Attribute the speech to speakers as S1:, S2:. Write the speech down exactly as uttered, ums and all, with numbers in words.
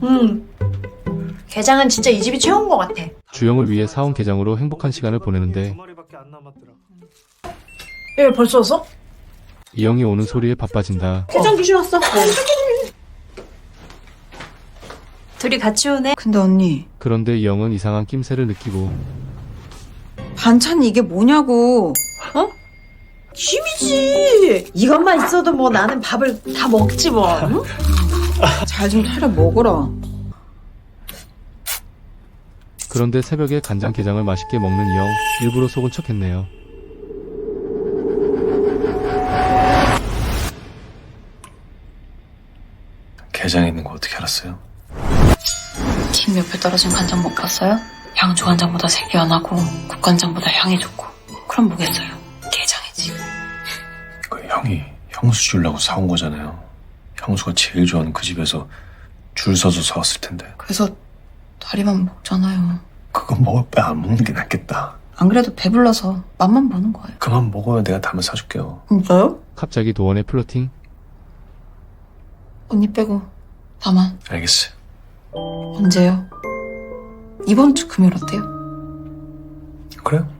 S1: 음. 게장은 진짜 이 집이 최고인 것 같아.
S2: 주영을 위해 사온 게장으로 행복한 시간을 보내는데
S1: 예, 벌써 왔어?
S2: 이영이 오는 소리에 바빠진다.
S1: 게장 귀신 왔어. 둘이 같이 오네.
S3: 근데 언니,
S2: 그런데 이영은 이상한 낌새를 느끼고
S3: 반찬이 이게 뭐냐고.
S1: 김이지. 이것만 있어도 뭐 나는 밥을 다 먹지 뭐. 응?
S3: 잘 좀 차려 먹어라.
S2: 그런데 새벽에 간장게장을 맛있게 먹는 이영, 일부러 속은 척했네요.
S4: 게장에 있는 거 어떻게 알았어요?
S5: 김 옆에 떨어진 간장 못 봤어요? 양조 간장보다 색이 연하고 국간장보다 향이 좋고 그럼 뭐겠어요? 게장이지.
S4: 그 형이 형수 주려고 사온 거잖아요. 형수가 제일 좋아하는 그 집에서 줄 서서 사왔을 텐데.
S5: 그래서 다리만 먹잖아요.
S4: 그거 먹을 때 안 먹는 게 낫겠다.
S5: 안 그래도 배불러서 맛만 보는 거예요.
S4: 그만 먹어요. 내가 담아 사줄게요.
S5: 진짜요?
S2: 갑자기 도원의 플러팅?
S5: 언니 빼고 다만.
S4: 알겠어요.
S5: 언제요? 이번 주 금요일 어때요?
S4: 그래요?